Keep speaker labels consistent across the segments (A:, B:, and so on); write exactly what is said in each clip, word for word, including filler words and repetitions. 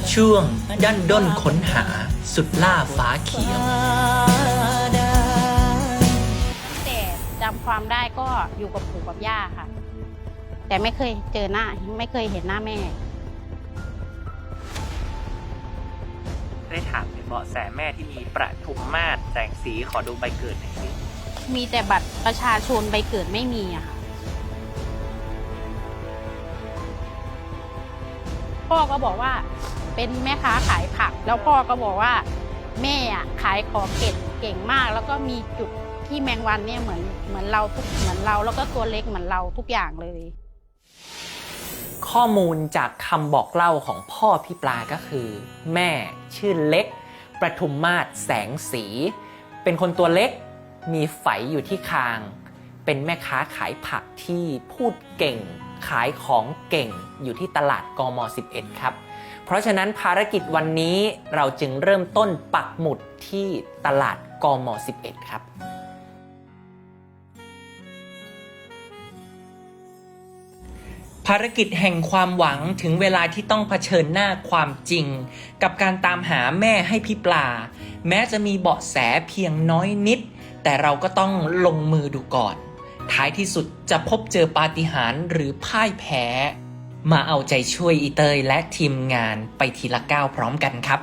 A: ช่วงดันด้นค้นหาสุดล่าฟ้าเขียว
B: แต่จำความได้ก็อยู่กับปู่กับย่าค่ะแต่ไม่เคยเจอหน้าไม่เคยเห็นหน้าแม่
A: ได้ถามถึงเบาะแสแม่ที่มีประทุมมาศแสงสีขอดูใบเกิดหน่อยสิ
B: มีแต่บัตรประชาชนใบเกิดไม่มีอะค่ะพ่อก็บอกว่าเป็นแม่ค้าขายผักแล้วพ่อก็บอกว่าแม่อะขายของเก่งเก่งมากแล้วก็มีจุดที่แมงวันเนี่ยเหมือนเหมือนเราทุกเหมือนเราแล้วก็ตัวเล็กเหมือนเราทุกอย่างเลย
A: ข้อมูลจากคำบอกเล่าของพ่อพี่ปลาก็คือแม่ชื่อเล็กประทุมมาศแสงสีเป็นคนตัวเล็กมีไฝอยู่ที่คางเป็นแม่ค้าขายผักที่พูดเก่งขายของเก่งอยู่ที่ตลาดกมสิบเอ็ดครับเพราะฉะนั้นภารกิจวันนี้เราจึงเริ่มต้นปักหมุดที่ตลาดกมสิบเอ็ดครับภารกิจแห่งความหวังถึงเวลาที่ต้องเผชิญหน้าความจริงกับการตามหาแม่ให้พี่ปลาแม้จะมีเบาะแสเพียงน้อยนิดแต่เราก็ต้องลงมือดูก่อนท้ายที่สุดจะพบเจอปาฏิหาริย์หรือพ่ายแพ้มาเอาใจช่วยอีเตยและทีมงานไปทีละก้าวพร้อมกันครับ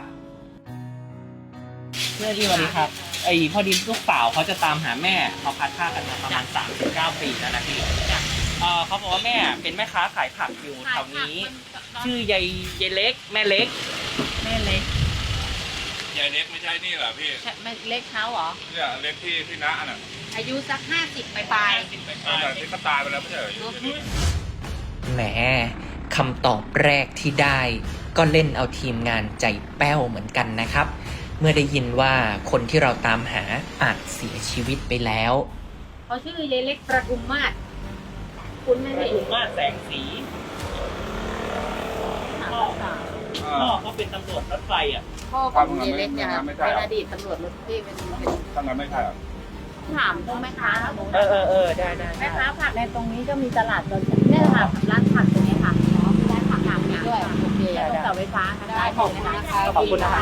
A: เมื่อที่วันนี้ครับไอ้พอดีลูกสาวเขาจะตามหาแม่เขาพัดผ้ากันมาประมาณสามสิบเก้าปีแล้วนะพี่เออเขาบอกว่าแม่เป็นแม่ค้าขายผักอยู่แถวนี้ชื่อยายยายเล็กแม่เล็ก
C: แม่เล็ก
D: ยายเล็กไม่ใช่นี่เหรอพี่
C: ใช่แม่เล็กเขาเหรอ
D: เนี่ยเล็กที่พี่น้าน่ะ
C: อายุสักห้าสิบปลาย
D: ๆแต่ที่เขาตายไปแล้วไม่ใช่เหรอ
A: แหมคำตอบแรกที่ได้ก็เล่นเอาทีมงานใจแป้วเหมือนกันนะครับเมื่อได้ยินว่าคนที่เราตามหาอาจเสียชีวิตไปแล้ว
C: เขาชื่อยายเล็กประทุมมาศคุณไม่ได้
A: ประทุมมาศแสงสีพ่อพ่อเขาเป็นตำรวจรถไฟอ่ะ
C: พ่อของยายเล็กเนี่ยเป็นอดีตตำรวจรถที่เป็นเป็น
D: ตั้งแต่ไม่ใช่หรอ
C: ถามพวกแม่ค้า
A: เออเออเออได้ได้
C: แม่ค้าผักในตรงนี้ก็มีตลาดตรงนี้ค่ะร้านผักตรงนี้ค่ะร้านผักผักนี้ด้วยโอเคแล้วก็เสาไฟฟ้าค่ะได้ขอบคุณนะคะ
A: ขอบคุณนะคะ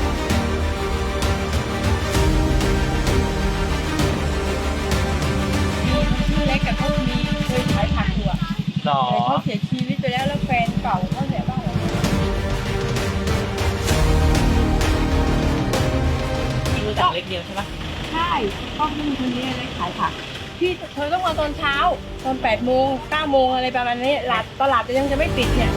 C: ชื่อเล็กกับเขามีเคยขายผักอยู่อ่ะ
A: หรอ
C: เขาเสียชีวิตไปแล้วแล้วแฟนเก่าเขาเสียบ้างเหรอ
A: รู้จักเล็กเดียวใช่ปะ
C: ใช่พ่อพี่คนนี้เล็กขายผักพี่เธอต้องมาตอนเช้าตอนแปดโมงเก้าโมงอะไรประมาณนี้ตลาดตลาดยังจะไม่ปิดเนี่ย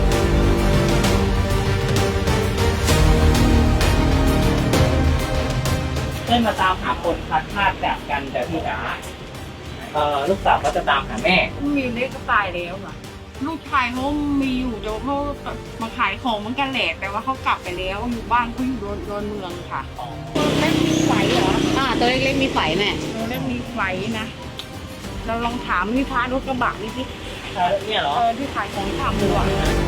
A: ได้มาตามหาคนพลัดพลาดจากกันแต่พี่จ๋าเอ่อลูกสาวก็จะตามหาแม่
C: มีเล็กก็ตายแล้วอ่ะลูกชายเขามีอยู่เดี๋ยวเขามาขายของเหมือนกันแหละแต่ว่าเขากลับไปแล้วอยู่บ้านเขาอยู่โดนเมืองค่ะตัวเล็กมีไฝเหรอ
B: อ่าตัวเล็กๆมีไฝแม่
C: ตัวเล็กมีไฝนะเราลองถามพี่พารถกระบะนี่สิ
A: เนี่ยเหรอ
C: เออที่ขายของทำดูอ่ะ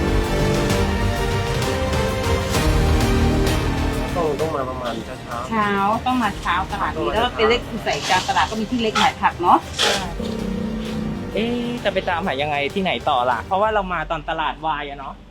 D: ต้องต้องมาประมาณเช้า
C: เช้าต้องมาเช้าตลาดนี้แล้วเป็นเล็กใส่จานตลาดก็มีที่เล็กขายผักเนาะ
A: เอ๊ะจะไปตามหายังไงที่ไหนต่อล่ะเพราะว่าเรามาตอนตลาดวายอะเนาะ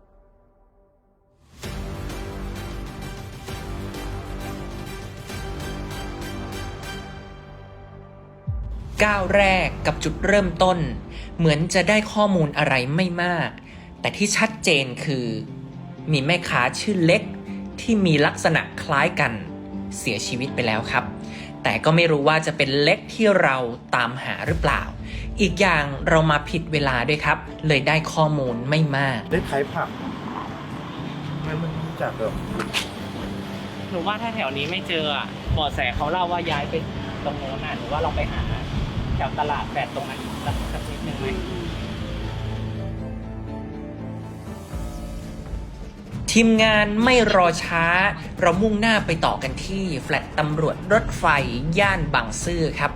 A: ก้าวแรกกับจุดเริ่มต้นเหมือนจะได้ข้อมูลอะไรไม่มากแต่ที่ชัดเจนคือมีแม่ค้าชื่อเล็กที่มีลักษณะคล้ายกันเสียชีวิตไปแล้วครับแต่ก็ไม่รู้ว่าจะเป็นเล็กที่เราตามหาหรือเปล่าอีกอย่างเรามาผิดเวลาด้วยครับเลยได้ข้อมูลไม่มาก
D: ได้ขายผักมันมันจากเดิม
A: หนูว่าถ้าแถวนี้ไม่เจออ่ะเบาะแสเขาเล่าว่าย้ายไปตรงโน้นน่ะหนูว่าเราไปหาแถวตลาดแปดตรงนั้นสักนิดนึงไหมทีมงานไม่รอช้าเรามุ่งหน้าไปต่อกันที่แฟลตตำรวจรถไฟย่านบางซื่อครับ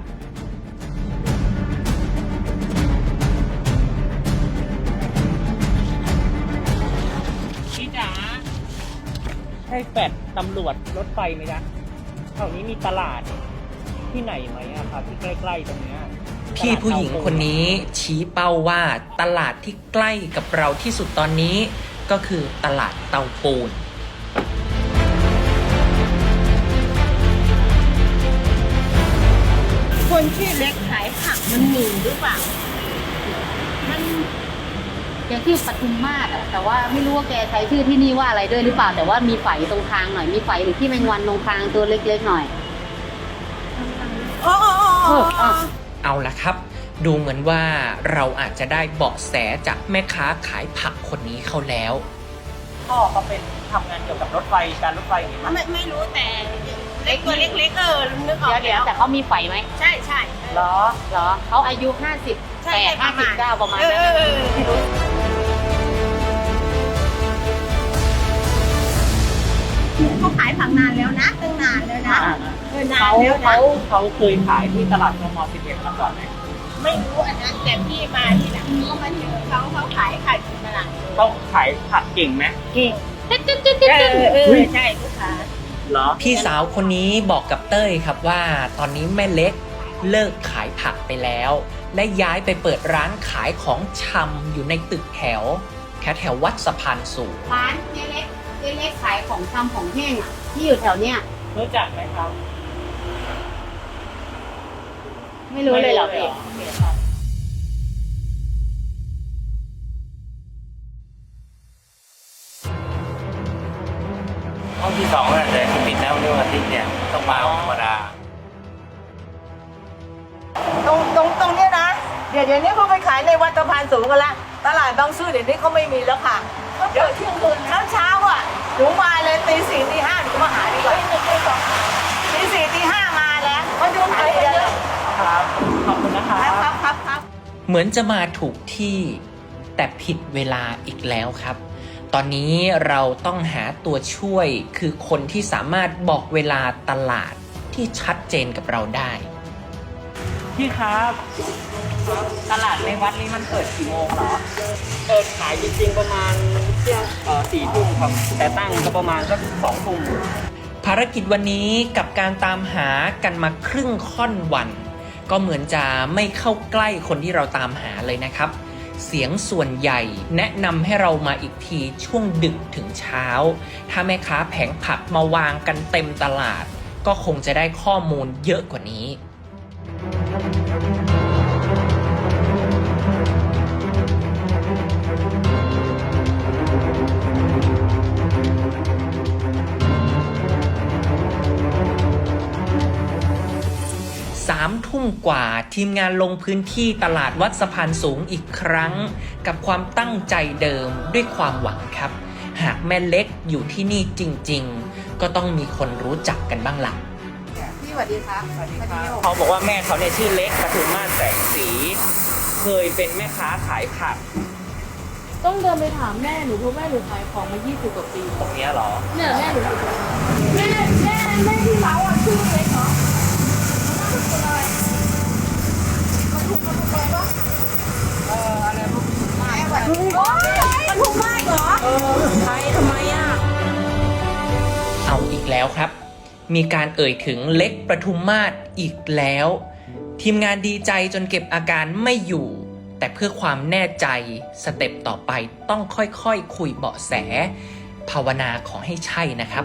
A: พี่จ๋าใช่แฟลตตำรวจรถไฟไหมจ๊ะแถวนี้มีตลาดที่ไหนไหมอะครับที่ใกล้ๆตรงนี้พี่ผู้หญิงคนนี้ชี้เป้าว่าตลาดที่ใกล้กับเราที่สุดตอนนี้ก็คือตลาดเตาปูน
C: คนชื่อเล็กขายผักมันหนีหรือเปล่ามัน
E: แกชื่อปทุมมาศอะแต่ว่าไม่รู้ว่าแกใช้ชื่อที่นี่ว่าอะไรด้วยหรือเปล่าแต่ว่ามีไฝตรงคางหน่อยมีไฝหรือที่แมงวันตรงคางตัวเล็กๆหน่อย
C: อ๋ออ๋ออ๋อ
E: เออ
C: อ๋อ
E: อ่ะ
A: เอาละครับ ดูเหมือนว่าเราอาจจะได้เบาะแสจากแม่ค้าขายผักคนนี้เขาแล้วพ่อเขาเป็นทำงานเกี่ยวกับรถไฟการรถไฟอย่างนี้มั้ย
C: ไม่ไม่รู้แต่เล็กตัวเล็กๆเออนึกออก
E: เดี๋ยวเดี๋ยว
C: แล้ว
E: แต่เขามีไฝไหม
C: ใช่ใช่
E: เหรอเหรอเขาอายุห้าสิบ
C: ใช่
E: แปด
C: ป
E: ห้า
C: ระ
E: สิ
C: มา
E: บ
C: ณ
E: เก้าประมาณ
C: เออ
E: นั้น
C: เออเออ
E: ไม่รู้
C: เขาขายผักนานแล้วนะตั้งนานแล้วนะเออนาน
A: เขา
C: แล้วนะ
A: เขาเขาเคยขายที่ตลาดกมสิบเอ็ดมาก่อนไหม
C: ไม่รู้อันนั้นแต่พี่มาที่หลังเขามาเจอเขาเขาขายขายอยู่ตลาด
A: เขาขายผักเก่งไหม
C: เก่งเออเออใช่ลูกค้า
A: เหรอพี่สาวคนนี้บอกกับเต้ยครับว่าตอนนี้แม่เล็กเลิกขายผักไปแล้ว และย้ายไปเปิดร้านขายของชำอยู่ในตึกแถวแถวแถววัดสะพานสูง
E: ร้านเจ๊เล็กเจ๊เล็กขายของชำของแห้งอะที่อยู่แถวเนี้ย
A: รู้จักไหมครับ
E: ไม่รู้เลยเหรอพี่
D: ห้องที่สองน่ะแต่ที่ปิดแล้วเรื่องอาทิตย์เนี่ยต้องมาวันธรรมดา
F: ตรงตรงตรงเนี้ยนะ เดี๋ยวเดี๋ยวนี้เขาไปขายในวัดสะพานสูงกันละตลาดบางซื่อเดี๋ยวนี้เขาไม่มีแล้วค่ะเดี๋ยวเที่ยงคืนเช้าเช้าๆอ่ะหนูมาเลยตีสี่ตีห้าหนูมาหาดีกว่าตีสี่ตีห้ามาแล้วมาดูขายกันเยอะ
A: ครับ ขอบคุณนะครั
F: ครับ บครับครับครับ
A: เหมือนจะมาถูกที่แต่ผิดเวลาอีกแล้วครับ ตอนนี้เราต้องหาตัวช่วยคือคนที่สามารถบอกเวลาตลาดที่ชัดเจนกับเราได้ พี่ครับ ตลาดในวัดนี้มันเปิดกี่โมงเหรอ
G: เปิดขายจริงๆประมาณเที่ยงเอ่อสี่ทุ่มครับ แต่ตั้งก็ประมาณสักสองทุ่ม
A: ภารกิจวันนี้กับการตามหากันมาครึ่งค่อนวัน ก็เหมือนจะไม่เข้าใกล้คนที่เราตามหาเลยนะครับ เสียงส่วนใหญ่แนะนำให้เรามาอีกทีช่วงดึกถึงเช้า ถ้าแม่ค้าแผงผักมาวางกันเต็มตลาด ก็คงจะได้ข้อมูลเยอะกว่านี้ สามทุ่มกว่าทีมงานลงพื้นที่ตลาดวัดสะพานสูงอีกครั้ง กับความตั้งใจเดิมด้วยความหวังครับ หากแม่เล็กอยู่ที่นี่จริงๆ ก็ต้องมีคนรู้จักกันบ้างล่ะ
E: พี่สวัสดีครับสวัสดีครับ
G: เขาบอกว่าแม่เขาเนี่ยชื่อเล็กปทุมมาศแสงสี เคยเป็นแม่ค้าขายผัก
H: ต้องเดินไปถามแม่หนูเพราะแม่หนูขายของมายี่สิบกว่าปี
G: ตรงเนี้ยเหรอ
H: เนี่ยแม่หนูแม่แม่แม่ที่เราอ่ะชื่อเล็กเหรอ
A: เอาอีกแล้วครับ มีการเอ่ยถึงเล็กประทุมมาศอีกแล้ว ทีมงานดีใจจนเก็บอาการไม่อยู่ แต่เพื่อความแน่ใจสเต็ปต่อไปต้องค่อยๆคคุยเบาะแส ภาวนาขอให้ใช่นะครับ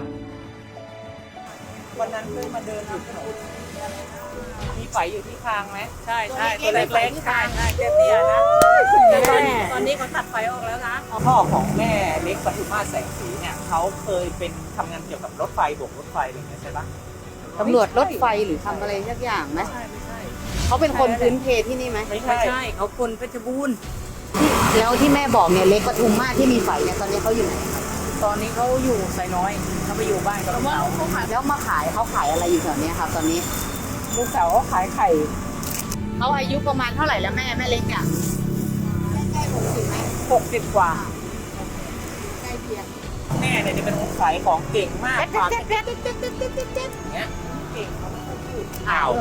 F: วันนั้นเพิ่งมาเดินอยู่ถนน
G: มีไฝอยู่ที่คางไหม
F: ใช่ใช่ตัวเล็กๆใช่ใช่เตี้ยๆนะแต่ตอนนี้ตอนนี้เขาตัดไฟออกแล้วนะ
A: พ่อของแม่เล็กปทุมมาศแสงสีเนี่ยเขาเคยเป็นทำงานเกี่ยวกับรถไฟโบกรถไฟอะไรอย่างเงี้ยใช่ปะ
E: ตำรวจรถไฟหรือทำอะไรสักอย่างไหม
F: ใช่ไม่ใช่
E: เขาเป็นคนพื้นเพที่นี่ไหม
F: ไม่ใช่เขาคนเพชรบูรณ์
E: แล้วที่แม่บอกเนี่ยเล็กปทุมมาศที่มีไฝเนี่ยตอนนี้เขาอยู่ไหนครับ
F: ตอนนี้เขาอยู่ไซน้อยเขาไปอยู่บ้านกับลูกสาว
E: แล้วมาขายเขาขายอะไรอยู่แถวเนี้ยครับ ตอนนี้
F: ลูกสาวเขาขายไข่
E: เขาอายุประมาณเท่าไหร่แล้วแม่แม่เล็กอ่ะใกล้หกสิบไหม
F: หกสิบกว่า
E: ใกล้เคียง
A: แม่เนี่ยจะเป็นคนขายของเก่งมากความ
F: เด็ดเด็ดเด็ดเด็ดเด็ดเด็ดเด็ด
A: เนี้ย
F: เก่งเขาไม่ค่อยพูด
A: อ้าว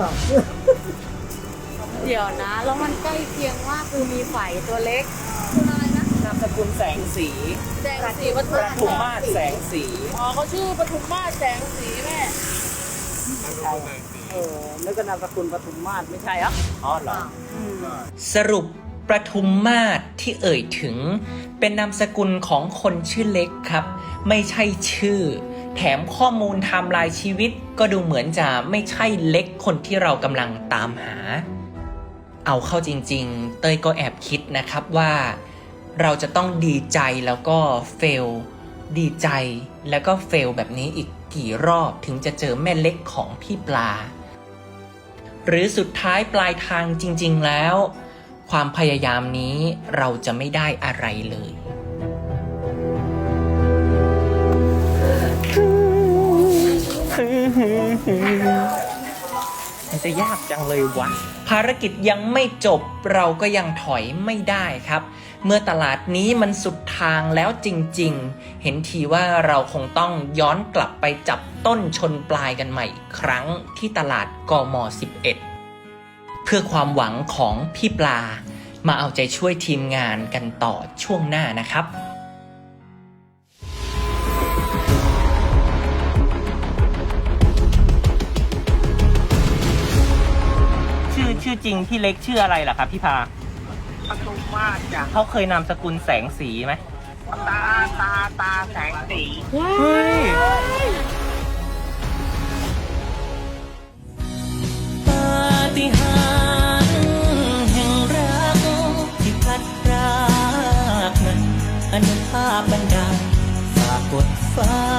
E: เดี๋ยวนะ แล้วมันใกล้เคียงว่าคือมีไฝตัวเล็กคืออะไรนะ
A: นามสกุลแสงสี
H: แสงสีป
A: ป
H: ทุม
A: ทุมมาศแสงสี
H: อ๋อเขาชื่อปทุมมาศแสงสีแม่
F: เออแล้วก็นามสกุลปทุมมาศไม่ใช่เหรอ
A: อ๋อเหรอสรุปประทุมมาศที่เอ่ยถึง เป็นนามสกุลของคนชื่อเล็กครับ ไม่ใช่ชื่อแถมข้อมูลไทม์ไลน์ชีวิตก็ดูเหมือนจะไม่ใช่เล็กคนที่เรากำลังตามหา เอาเข้าจริงๆเต้ยก็แอบคิดนะครับว่าเราจะต้องดีใจแล้วก็เฟลดีใจแล้วก็เฟลแบบนี้อีกกี่รอบถึงจะเจอแม่เล็กของพี่ปลา หรือสุดท้ายปลายทางจริงๆแล้วความพยายามนี้เราจะไม่ได้อะไรเลยมันจะยากจังเลยวะภารกิจยังไม่จบเราก็ยังถอยไม่ได้ครับ เมื่อตลาดนี้มันสุดทางแล้วจริงๆเห็นทีว่าเราคงต้องย้อนกลับไปจับต้นชนปลายกันใหม่อีกครั้งที่ตลาดกมสิบเอ็ดเพื่อความหวังของพี่ปลามาเอาใจช่วยทีมงานกันต่อช่วงหน้านะครับชื่อชื่อจริงพี่เล็กชื่ออะไรล่ะครับพี่พา
F: ปทุมมาศจ้ะ
A: เขาเคยนามสกุลแสงสีไหม
F: ตาตาตาแสงสี
A: เฮ้ยปาฏิหาริย์แห่งรักที่พัดพรากนั้นอนุภาพบันดาลฝากกดฟ้า